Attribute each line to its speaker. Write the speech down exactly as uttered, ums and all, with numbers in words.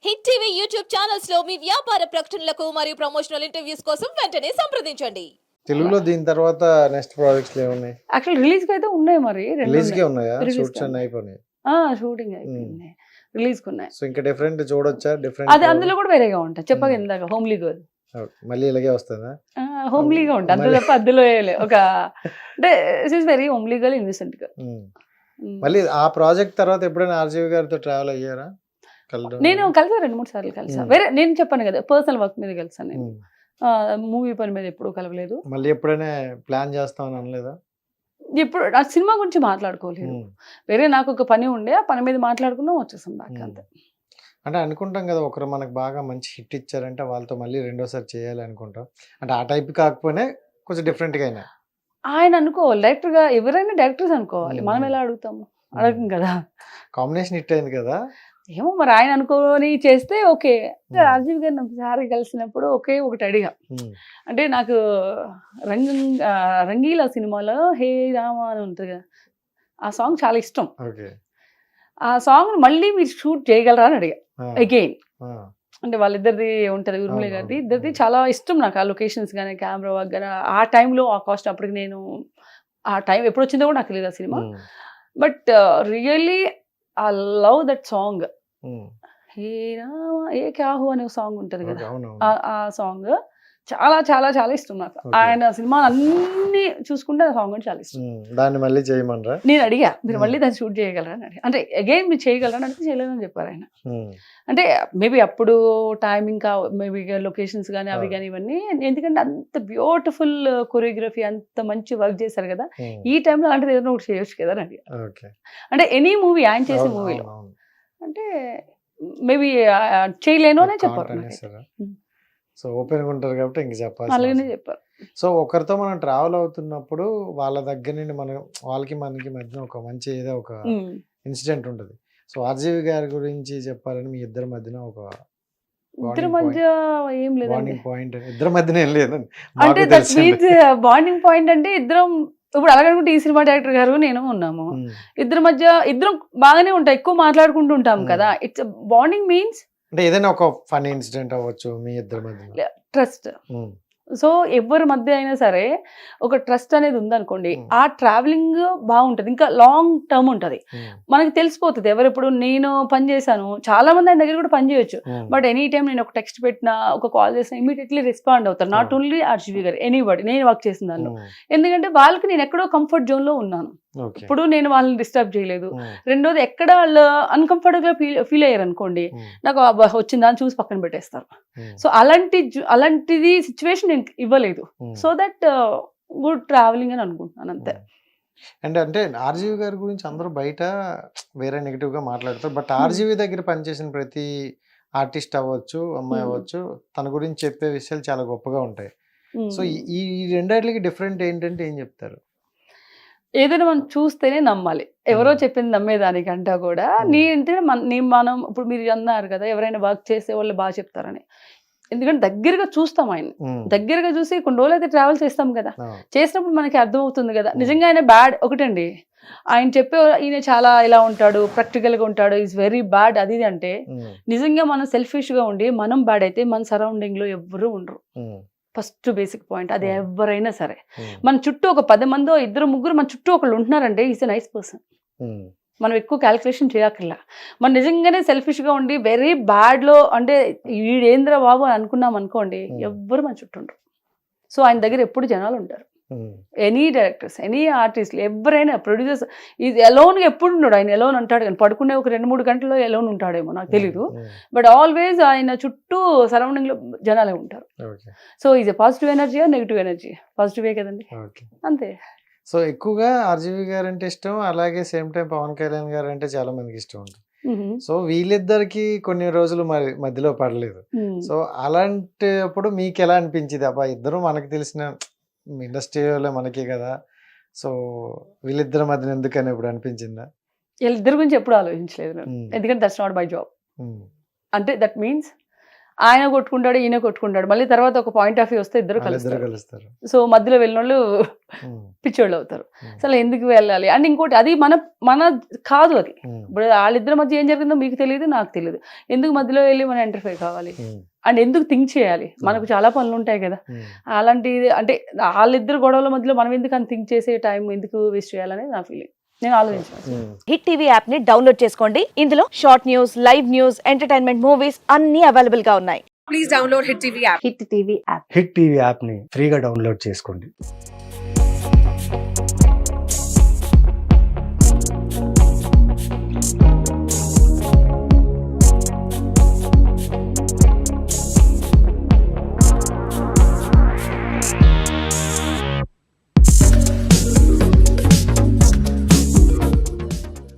Speaker 1: Hit TV YouTube channels లో మీ వ్యాపార ప్రకటనలకు మరియు ప్రమోషనల్ ఇంటర్వ్యూస్ కోసం వెంటనే సంప్రదించండి.
Speaker 2: తెలుగులో దీని తర్వాత నెక్స్ట్ ప్రాజెక్ట్స్ ఏమున్నాయి?
Speaker 3: యాక్చువల్ రిలీజ్ కి అయితే ఉన్నాయి, మరి రెండు
Speaker 2: రిలీజ్ కే
Speaker 3: ఉన్నాయి.
Speaker 2: ఉన్నాయా?
Speaker 3: Release
Speaker 2: షూట్స్
Speaker 3: కి
Speaker 2: అన్ని
Speaker 3: ఉన్నాయి.
Speaker 2: అయిపోయినాయి.
Speaker 3: ఆ షూటింగ్ అయిపోయింది, రిలీజ్ కి ఉన్నాయి.
Speaker 2: సో ఇంకా డిఫరెంట్ చూడొచ్చా? డిఫరెంట్
Speaker 3: అది అందులో కూడా వేరేగా ఉంటాయి, చెప్పగా
Speaker 2: Hmm.
Speaker 3: ఇందాక హోమ్లీ గర్ల్
Speaker 2: మళ్ళీ ఇలాగే వస్తుందా?
Speaker 3: హోమ్లీగా ఉంటుంది, అందులో
Speaker 2: మళ్ళీ-
Speaker 3: తప్ప అందులో వేయలే. ఒక అంటే is very homely girl, innocent girl.
Speaker 2: Um. మళ్ళీ ఆ ప్రాజెక్ట్ తర్వాత ఎప్పుడైనా ఆర్జీవి గారితో ట్రావెల్ అయ్యారా? కలవడం
Speaker 3: నేను కలిసా, రెండు మూడు సార్లు కలిసా.
Speaker 2: Hmm.
Speaker 3: వేరే నేను చెప్పాను కదా, పర్సనల్ వర్క్ మీద కలిసాను నేను.
Speaker 2: ఉమ్.
Speaker 3: మూవీ పని మీద ఎప్పుడూ కలవలేదు.
Speaker 2: మళ్ళీ ఎప్పుడైనా ప్లాన్ చేస్తామని అనలేదా?
Speaker 3: ఇప్పుడు ఆ సినిమా గురించి మాట్లాడుకోలేదు.
Speaker 2: ఉమ్.
Speaker 3: వేరే నాకు ఒక పని ఉండే, ఆ పని మీద మాట్లాడుకున్నాం, వచ్చేసాం బ్యాక్
Speaker 2: ఉమ్.
Speaker 3: అంతే.
Speaker 2: అంటే అనుకుంటాం కదా, ఒకరు మనకు బాగా మంచి హిట్ ఇచ్చారంటే వాళ్ళతో మళ్ళీ రెండోసారి చేయాలి అనుకుంటాం. అంటే ఆ టైప్ కాకపోయినా కొంచెం డిఫరెంట్ గా అయినా
Speaker 3: ఆయన అనుకోవాలి, డైరెక్టర్ గా ఎవరైనా డైరెక్టర్స్ అనుకోవాలి, మనం
Speaker 2: Hmm.
Speaker 3: ఎలా అడుగుతాము? అడగం కదా.
Speaker 2: కాంబినేషన్ హిట్ అయింది కదా.
Speaker 3: ఏమో మరి ఆయన అనుకోని చేస్తే ఓకే.
Speaker 2: Hmm.
Speaker 3: రాజీవ్ గారిని ఒకసారి కలిసినప్పుడు ఒకే ఒకటి అడిగా,
Speaker 2: ఉమ్.
Speaker 3: అంటే నాకు రంగ ఆ, రంగీలా సినిమాలో హే రామ అని ఉంటుంది కదా, ఆ సాంగ్ చాలా ఇష్టం.
Speaker 2: ఓకే.
Speaker 3: ఆ సాంగ్ మళ్ళీ మీరు షూట్ చేయగలరా అని అడిగా
Speaker 2: ఆ,
Speaker 3: అగైన్.
Speaker 2: ఆ,
Speaker 3: అంటే వాళ్ళిద్దరిది ఉంటుంది, ఉర్మిళ
Speaker 2: అవును,
Speaker 3: గారిది,
Speaker 2: అవును,
Speaker 3: ఇద్దరిది
Speaker 2: అవును.
Speaker 3: చాలా ఇష్టం నాకు. ఆ లొకేషన్స్ కానీ కెమెరా వర్క్ కానీ ఆ టైంలో ఆ కాస్ట్ అప్పటికి నేను ఆ టైం ఎప్పుడు వచ్చిందో కూడా నాకు తెలియదు ఆ సినిమా.
Speaker 2: Um.
Speaker 3: But really I love that song.
Speaker 2: Um.
Speaker 3: హే రామ ఏ క్యాహు అనే సాంగ్ ఉంటుంది
Speaker 2: ఓకే,
Speaker 3: కదా,
Speaker 2: అవునవును.
Speaker 3: ఆ- ఆ సాంగ్ చాలా చాలా చాలా ఇష్టం నాకు.
Speaker 2: Okay.
Speaker 3: ఆయన సినిమా అన్ని చూసుకుంటే ఆ సాంగ్ అంటే చాలా ఇష్టం.
Speaker 2: ఉమ్. దాన్ని మళ్ళీ చేయమనరా?
Speaker 3: నేను అడిగా, మీరు
Speaker 2: Hmm.
Speaker 3: మళ్ళీ దాన్ని షూట్ చేయగలరా అని అడిగా. అంటే అగైన్ మీరు చేయగలరా అని అడిగితే చేయలేదని చెప్పారు ఆయన.
Speaker 2: ఉమ్.
Speaker 3: అంటే మేబీ అప్పుడు టైమింగ్ కా మేబీ లొకేషన్స్ కానీ అవి
Speaker 2: Ah.
Speaker 3: కానీ ఇవన్నీ, ఎందుకంటే అంత బ్యూటిఫుల్ కొరియోగ్రఫీ, అంత మంచి వర్క్ చేశారు కదా,
Speaker 2: ఉమ్.
Speaker 3: ఈ టైంలో అంటే ఏదైనా ఒకటి చేయొచ్చు కదా అని అడిగా.
Speaker 2: ఓకే.
Speaker 3: అంటే ఎనీ మూవీ ఆయన చేసే
Speaker 2: అవును,
Speaker 3: మూవీలో
Speaker 2: అవును, అవును.
Speaker 3: అంటే మేబీ చేయలేను అనే
Speaker 2: కాంట్
Speaker 3: చెప్పారు నాకైతే.
Speaker 2: అనేసారా?
Speaker 3: ఉమ్.
Speaker 2: సో ఓపెన్ గా ఉంటారు కాబట్టి ఇంక చెప్పాల్సిన
Speaker 3: అలాగనే
Speaker 2: అవసరం.
Speaker 3: చెప్పారు.
Speaker 2: సో ఒకరితో మనం ట్రావెల్ అవుతున్నప్పుడు వాళ్ళ దగ్గర నుండి మనం వాళ్ళకి మనకి మధ్య ఒక మంచి ఏదో ఒక
Speaker 3: ఉమ్.
Speaker 2: ఇన్సిడెంట్ ఉంటుంది. సో ఆర్జీవి గారి గురించి చెప్పాలని మీ ఇద్దరి మధ్యన ఒక
Speaker 3: ఇద్దరి
Speaker 2: బాండింగ్
Speaker 3: మధ్య
Speaker 2: పాయింట్
Speaker 3: ఏం లేదండి.
Speaker 2: బాండింగ్ పాయింట్ ఇద్దరి మధ్యన ఏం లేదండి,
Speaker 3: అంటే
Speaker 2: మాకు
Speaker 3: దట్
Speaker 2: తెలిసింది.
Speaker 3: మీన్స్ బాండింగ్ పాయింట్ అంటే ఇద్దరం ఇప్పుడు అలాగనుకుంటే ఈ సినిమా డైరెక్టర్ గారు నేను ఉన్నాము,
Speaker 2: ఉమ్.
Speaker 3: ఇద్దరి మధ్య ఇద్దరం బాగానే ఉంటాం, ఎక్కువ మాట్లాడుకుంటూ ఉంటాం
Speaker 2: Hmm.
Speaker 3: కదా. ఇట్స్ బాండింగ్ మీన్స్
Speaker 2: అంటే ఏదైనా ఒక ఫన్ ఇన్సిడెంట్ అవ్వచ్చు మీ ఇద్దరి మధ్యన.
Speaker 3: ట్రస్ట్.
Speaker 2: ఉమ్.
Speaker 3: సో ఎవరి మధ్య అయినా సరే ఒక ట్రస్ట్ అనేది ఉందనుకోండి,
Speaker 2: Hmm.
Speaker 3: ఆ ట్రావెలింగ్ బాగుంటది, ఇంకా లాంగ్ టర్మ్ ఉంటది.
Speaker 2: ఉమ్.
Speaker 3: మనకి తెలిసిపోతుంది ఎవరెప్పుడు. నేను పని చేశాను, చాలా మంది ఆయన దగ్గర కూడా పని చేయొచ్చు,
Speaker 2: ఉమ్.
Speaker 3: బట్ ఎనీ టైం నేను ఒక టెక్స్ట్ పెట్టినా, ఒక కాల్ చేసినా ఇమీడియట్లీ రెస్పాండ్ అవుతారు. Not
Speaker 2: Hmm.
Speaker 3: ఓన్లీ ఆర్జీవి గారు, ఎనీబడి నేను వర్క్ చేసిన దానిలో.
Speaker 2: ఉమ్.
Speaker 3: ఎందుకంటే వాళ్ళకి నేను ఎక్కడో కంఫర్ట్ జోన్ లో ఉన్నాను,
Speaker 2: ఓకే.
Speaker 3: ఇప్పుడు నేను వాళ్ళని డిస్టర్బ్ చేయలేదు.
Speaker 2: ఉమ్.
Speaker 3: రెండోది ఎక్కడ వాళ్ళు అన్కంఫర్టబుల్ గా ఫీల్ ఫీల్ అయ్యారు అనుకోండి,
Speaker 2: ఉమ్.
Speaker 3: నాకు అబ్బా, వచ్చిందా అని చూసి పక్కన పెట్టేస్తారు.
Speaker 2: ఉమ్.
Speaker 3: సో అలాంటి జు- అలాంటిది సిచ్యువేషన్ నేను ఇవ్వలేదు.
Speaker 2: Um.
Speaker 3: So that good travelling అని అనుకుంటున్నాను అంతే.
Speaker 2: అండ్ అంటే ఆర్జీవి గారి గురించి అందరూ బయట వేరే నెగిటివ్ గా మాట్లాడతారు, బట్ ఆర్జీవి దగ్గర పనిచేసిన ప్రతి ఆర్టిస్ట్ అవ్వచ్చు, అమ్మాయి
Speaker 3: Hmm.
Speaker 2: అవ్వచ్చు, తన గురించి చెప్పే విషయాలు చాలా గొప్పగా ఉంటాయి.
Speaker 3: Hmm.
Speaker 2: సో ఈ ఈ రెండాటికి డిఫరెంట్ ఏంటంటే ఏం చెప్తారు?
Speaker 3: ఏదైనా మనం చూస్తేనే నమ్మాలి, ఎవరో
Speaker 2: Hmm.
Speaker 3: చెప్పింది నమ్మేదానికంటా కూడా.
Speaker 2: Hmm.
Speaker 3: నీ అంటే మన- నీ మనం ఇప్పుడు మీరు అన్నారు కదా, ఎవరైనా వర్క్ చేసే వాళ్ళు బాగా చెప్తారని. ఎందుకంటే దగ్గరగా చూస్తాం ఆయన,
Speaker 2: ఉమ్.
Speaker 3: దగ్గరగా చూసి కొన్ని రోజులు అయితే ట్రావెల్ చేస్తాం కదా,
Speaker 2: ఆ.
Speaker 3: చేసినప్పుడు మనకి అర్థమవుతుంది కదా
Speaker 2: Hmm.
Speaker 3: నిజంగా ఆయన బ్యాడ్. ఒకటండి, ఆయన చెప్పే ఈయన చాలా ఇలా ఉంటాడు, ప్రాక్టికల్ గా ఉంటాడు, ఈజ్ వెరీ బ్యాడ్ అది ఇది అంటే,
Speaker 2: ఉమ్.
Speaker 3: నిజంగా మనం సెల్ఫిష్ గా ఉండి మనం బ్యాడ్ అయితే మన సరౌండింగ్ లో ఎవ్వరూ ఉండరు.
Speaker 2: ఉమ్.
Speaker 3: ఫస్ట్ బేసిక్ పాయింట్ అది.
Speaker 2: Hmm.
Speaker 3: ఎవరైనా సరే
Speaker 2: ఉమ్.
Speaker 3: మన చుట్టూ ఒక పది మందో ఇద్దరు ముగ్గురు మన చుట్టూ ఒకళ్ళు ఉంటున్నారంటే is a nice person.
Speaker 2: Um.
Speaker 3: మనం ఎక్కువ క్యాలిక్యులేషన్ చేయక్కర్లా. మనం నిజంగానే సెల్ఫిష్ గా ఉండి వెరీ బ్యాడ్ లో అంటే ఈడేంద్ర బాబు అని అనుకున్నాం అనుకోండి,
Speaker 2: Hmm.
Speaker 3: ఎవ్వరు మన చుట్టూ ఉండరు. సో ఆయన దగ్గర ఎప్పుడు జనాలు ఉంటారు.
Speaker 2: ఉమ్.
Speaker 3: ఎనీ డైరెక్టర్స్, ఎనీ ఆర్టిస్టులు, ఎవరైనా ప్రొడ్యూసర్స్, ఇది ఎలోన్ గా ఎప్పుడు ఉన్నాడు ఆయన. ఎలోన్ అంటాడు కానీ పడుకునే ఒక రెండు మూడు గంటల్లో ఎలోన్ ఉంటాడేమో నాకు తెలీదు,
Speaker 2: ఉమ్.
Speaker 3: బట్ ఆల్వేస్ ఆయన చుట్టూ సరౌండింగ్ లో జనాలే ఉంటారు.
Speaker 2: Okay.
Speaker 3: So is a positive energy, negative energy. పాజిటివే కదండి,
Speaker 2: ఓకే.
Speaker 3: అంతే.
Speaker 2: సో ఎక్కువగా ఆర్జీవి గారు అంటే ఇష్టం, అలాగే సేమ్ టైం పవన్ కళ్యాణ్ గారు అంటే చాలా మందికి ఇష్టం ఉంటుంది.
Speaker 3: మ్మ్.
Speaker 2: సో వీళ్ళిద్దరికి కొన్ని రోజులు మరి మధ్యలో పడలేదు.
Speaker 3: మ్మ్.
Speaker 2: సో అలాంటప్పుడు మీకు ఎలా అనిపించింది? అబ్బా, ఇద్దరు మనకు తెలిసిన ఇండస్ట్రీలో మనకే కదా, సో వీళ్ళిద్దరి మధ్యన ఎందుకని ఇప్పుడు అనిపించిందా?
Speaker 3: వీళ్ళిద్దరి గురించి ఎప్పుడు ఆలోచించలేదు నేను,
Speaker 2: ఉమ్.
Speaker 3: ఎందుకంటే that's not my job.
Speaker 2: Um.
Speaker 3: అంటే దట్ మీన్స్ ఆయన కొట్టుకుంటాడు ఈయన కొట్టుకుంటాడు, మళ్ళీ తర్వాత ఒక పాయింట్ ఆఫ్ వ్యూ వస్తే ఇద్దరు
Speaker 2: వాళ్ళిద్దరు
Speaker 3: కలుస్తారు.
Speaker 2: కలుస్తారు.
Speaker 3: సో మధ్యలో వెళ్ళిన వాళ్ళు
Speaker 2: ఉమ్,
Speaker 3: పిచ్చోళ్ళు అవుతారు.
Speaker 2: ఉమ్,
Speaker 3: అసలు ఎందుకు వెళ్ళాలి అండ్ ఇంకోటి అది మన మన కాదు అది.
Speaker 2: ఉమ్,
Speaker 3: ఇప్పుడు వాళ్ళిద్దరి మధ్య ఏం జరిగిందో మీకు తెలియదు నాకు తెలియదు, ఎందుకు మధ్యలో వెళ్ళి మనం ఎంటర్ఫై కావాలి
Speaker 2: ఉమ్,
Speaker 3: అండ్ ఎందుకు థింక్ చేయాలి, మనకు చాలా పనులు ఉంటాయి కదా.
Speaker 2: ఉమ్.
Speaker 3: అలాంటి అంటే వాళ్ళిద్దరు గొడవల మధ్యలో మనం ఎందుకు అని థింక్ చేసే టైం ఎందుకు వేస్ట్ చేయాలనేది నా ఫీలింగ్. నేను ఆలోచించాను.
Speaker 2: ఉమ్.
Speaker 4: హిట్ టీవీ యాప్ ని డౌన్లోడ్ చేసుకోండి. ఇందులో short news, live news, entertainment movies అన్ని అవైలబుల్ గా ఉన్నాయి.
Speaker 5: Hit TV app
Speaker 6: hit TV యాప్ని ఫ్రీగా డౌన్లోడ్ చేసుకోండి.